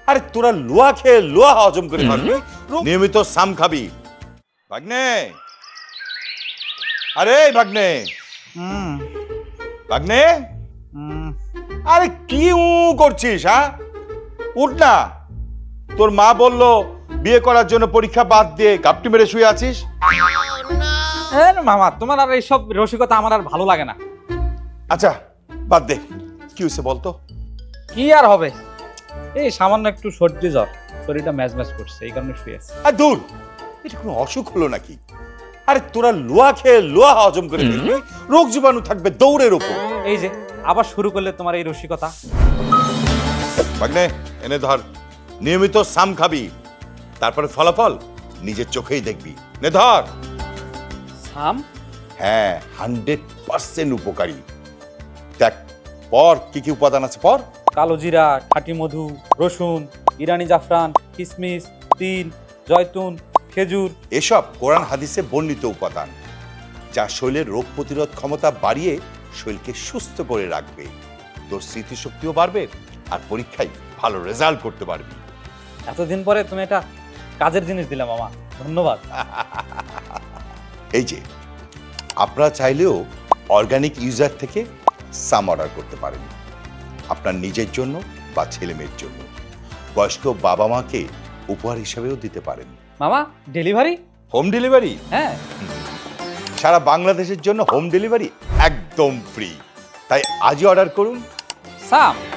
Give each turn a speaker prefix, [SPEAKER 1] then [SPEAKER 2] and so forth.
[SPEAKER 1] আরে তোরা লোয়া খেয়ে লোয়া হজম করে পারবি, নিয়মিত সাম খাবি। ভাগ্নে, আরে ভাগ্নে, ভাগ্নে, আরে কি করছিস? হ্যাঁ, উঠ না। তোর মা বললো বিয়ে করার জন্য পরীক্ষা বাদ দিয়ে গাপটি মেরে শুয়ে আছিস।
[SPEAKER 2] মামা, তোমার আর এইসব রসিকতা আমার আর ভালো লাগে না।
[SPEAKER 1] আচ্ছা বাদ দে, কি হয়েছে বলতো?
[SPEAKER 2] কি আর হবে, এই সামান্য একটু সর্দি জ্বর, শরীরটা ম্যাজ ম্যাজ করছে, এই কারণে শুয়ে আছি।
[SPEAKER 1] আর দূর, এটা কোনো অসুখ হলো নাকি? আরে তোরা লোয়া খেয়ে লোয়া হজম করে ফেলবি, রোগ জীবাণু থাকবে দৌড়ের উপর।
[SPEAKER 2] এই যে আবার শুরু করলে তোমার এই রসিকতা।
[SPEAKER 1] ভাগ্নে, এনে ধর, নিয়মিত সাম খাবি, তারপরে ফলাফল নিজের চোখেই দেখবি। নে ধর।
[SPEAKER 2] সাম?
[SPEAKER 1] হ্যাঁ, 100% উপকারী। দেখ পর কি কি উপাদান আছে পর।
[SPEAKER 2] কালো জিরা, খাঁটি মধু, রসুন, ইরানি জাফরান, কিশমিশ, তিল, জয়তুন, খেজুর।
[SPEAKER 1] এসব কোরআন হাদিসে বর্ণিত উপাদান, যা শরীরের রোগ প্রতিরোধ ক্ষমতা বাড়িয়ে শরীরকে সুস্থ করে রাখবে। তোর স্মৃতিশক্তিও বাড়বে আর পরীক্ষায় ভালো রেজাল্ট করতে পারবি।
[SPEAKER 2] এতদিন পরে তুমি এটা কাজের জিনিস দিলে মামা, ধন্যবাদ।
[SPEAKER 1] এই যে আপনারা চাইলেও অর্গানিক ইউজার থেকে সাম অর্ডার করতে পারেন, আপনার নিজের জন্য বা ছেলে মেয়ের জন্য। বয়স্ক বাবা মাকে উপহার হিসেবেও দিতে পারেন।
[SPEAKER 2] মামা, ডেলিভারি?
[SPEAKER 1] Home delivery?
[SPEAKER 2] হ্যাঁ।
[SPEAKER 1] সারা বাংলাদেশের জন্য হোম ডেলিভারি একদম ফ্রি। তাই আজই অর্ডার করুন
[SPEAKER 2] সাম।